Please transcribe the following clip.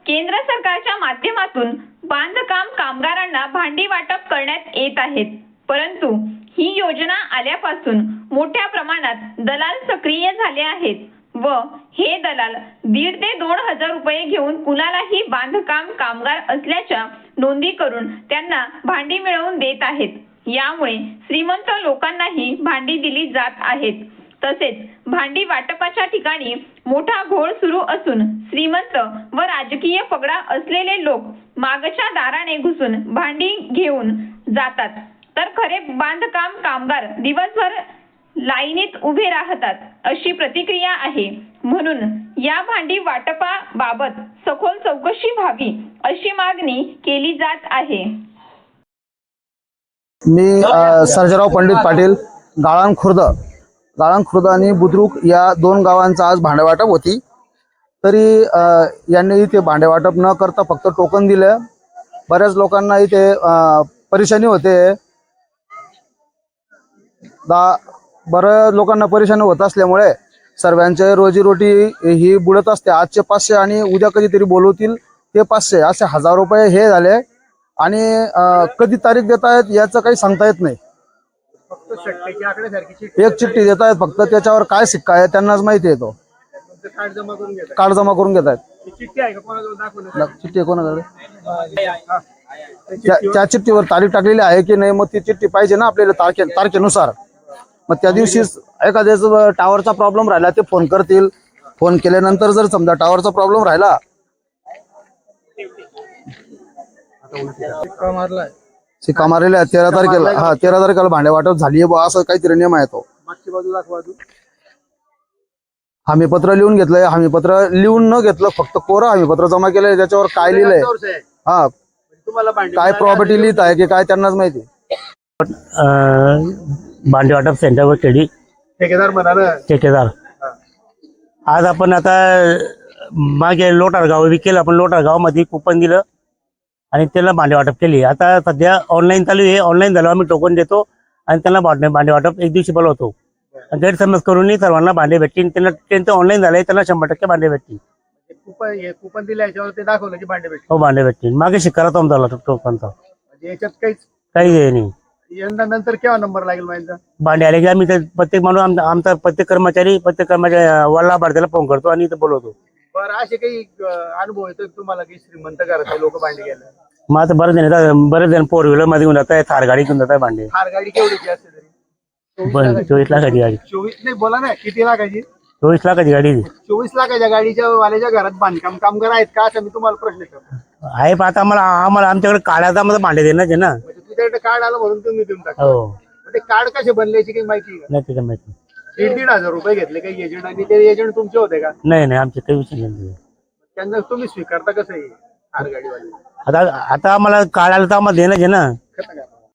केंद्र सरकारच्या माध्यमातून बांधकाम कामगारांना भांडी वाटप करण्यात येत आहेत, परंतु ही योजना आल्यापासून मोठ्या प्रमाणात दलाल सक्रिय झाले आहेत व हे दलाल 1.5 ते 2 हजार रुपये घेऊन कुणालाही बांधकाम कामगार असल्याच्या नोंदी करून त्यांना भांडी मिळवून देत आहेत। यामुळे श्रीमंत लोकांनाही भांडी दिली जात आहेत। तसेच भांडी वाटपाच्या ठिकाणी मोठा घोळ सुरू असून श्रीमंत व राजकीय पगडा असलेले लोक मागच्या दाराने घुसून भांडी घेऊन जातात, तर खरे बांधकाम कामगार दिवसभर लाईनीत उभे राहतात, अशी प्रतिक्रिया आहे। म्हणून या भांडी वाटपाबाबत सखोल चौकशी व्हावी अशी मागणी केली जात आहे। मी सर्जेराव पंडित पाटील, गाळण खुर्द आणि बुद्रुक या 2 गावांचा आज भांडेवाटप होती। तरी यांनी इथे भांडेवाटप न करता फक्त टोकन दिले। बऱ्याच लोकांना इथे परेशानी होते। बऱ्याच लोकांना परेशानी होत असल्यामुळे सर्वांचे रोजीरोटी ही बुडत असते। आजचे 500 आणि उद्या कधीतरी बोलवतील ते 500 असे 1000 रुपये हे झाले आणि कधी तारीख देत आहेत याचं काही सांगता येत नाही। एक चिठ्ठी देत आहेत फक्त, त्याच्यावर काय शिक्का आहे त्यांनाच माहिती आहे। तो कार्ड जमा करून घेत आहेत। चिठ्ठी कोणाकडे? त्या चिठ्ठीवर तारीख टाकलेली आहे की नाही, मग ती चिठ्ठी पाहिजे ना आपल्याला तारखेनुसार। मग त्या दिवशी एखाद्याचा टावरचा प्रॉब्लेम राहिला ते फोन करतील। फोन केल्यानंतर जर समजा टावरचा प्रॉब्लेम राहिला, शिक्का मारलेला 13 तारखेला, 13 तारखेला भांडे वाटप झाली आहे असं काहीतरी नियम आहे। तो हमीपत्र लिहून घेतलंय, हमीपत्र लिहून न घेतलं, फक्त कोरं हमीपत्र जमा केलंय। त्याच्यावर काय लिहिलंय, काय प्रॉपर्टी लिहित आहे की काय त्यांनाच माहिती। भांडी वाटप सेंटरवर ठेकेदार आज आपण आता मागे लोटार गाव विकेल, आपण लोटार गावामध्ये कुपन दिलं आणि त्याला भांडे वाटप केली। आता सध्या ऑनलाईन चालू आहे। ऑनलाईन झालं आम्ही टोकन देतो आणि त्यांना भांडे वाटप एक दिवशी बोलवतो। गैरसमज करून सर्वांना भांडे भेटतील। त्यांचं ऑनलाईन झालंय, त्यांना 100% भांडे भेटतील। कुपन दिल्याच्यावर ते दाखवलं की भांडे भेटतील। हो, भांडे भेटतील। मागे शिक्का तो झाला टोकनचा, याच्यात काही हे नाही। यंदा नंतर केव्हा नंबर लागेल माहिती? भांडे आले की आम्ही प्रत्येक माणूस आमचा प्रत्येक कर्मचारी वल्ला भारतीला फोन करतो आणि इथं बोलवतो। बरं, असे काही अनुभव येतो तुम्हाला की श्रीमंत घराचे लोक भांडे घ्यायला? मग आता बरेच जण 4 व्हीलर मध्ये घेऊन जात आहे, थार गाडी घेऊन जात आहे भांडे। थार गाडी केवढीची असते तरी? 24 लाखाची गाडी। 24 नाही, बोला ना किती लाखाची? 24 लाखाची गाडी। 24 लाखाच्या गाडीच्या वाल्याच्या घरात बांधकाम कामगार आहेत का, असं मी तुम्हाला प्रश्न विचारतो आहे। पण आता आम्हाला आमच्याकडे काढायचा मला भांडे देणार आहे ना। तुझ्याकडे कार्ड आलं म्हणून तुम्ही देऊन टाका। हो, ते कार्ड कसे बनल्याची काही माहिती आहे का? नाही त्याच्या माहिती। 1,500 रुपये घेतले काही एजंट, आणि ते एजंट तुमचे होते का? नाही आमचे काही विषय नाही। त्यांना तुम्ही स्वीकारता कसं आहे थार गाडीवाले? आता आम्हाला काढायला तर आम्हाला देणार आहे ना।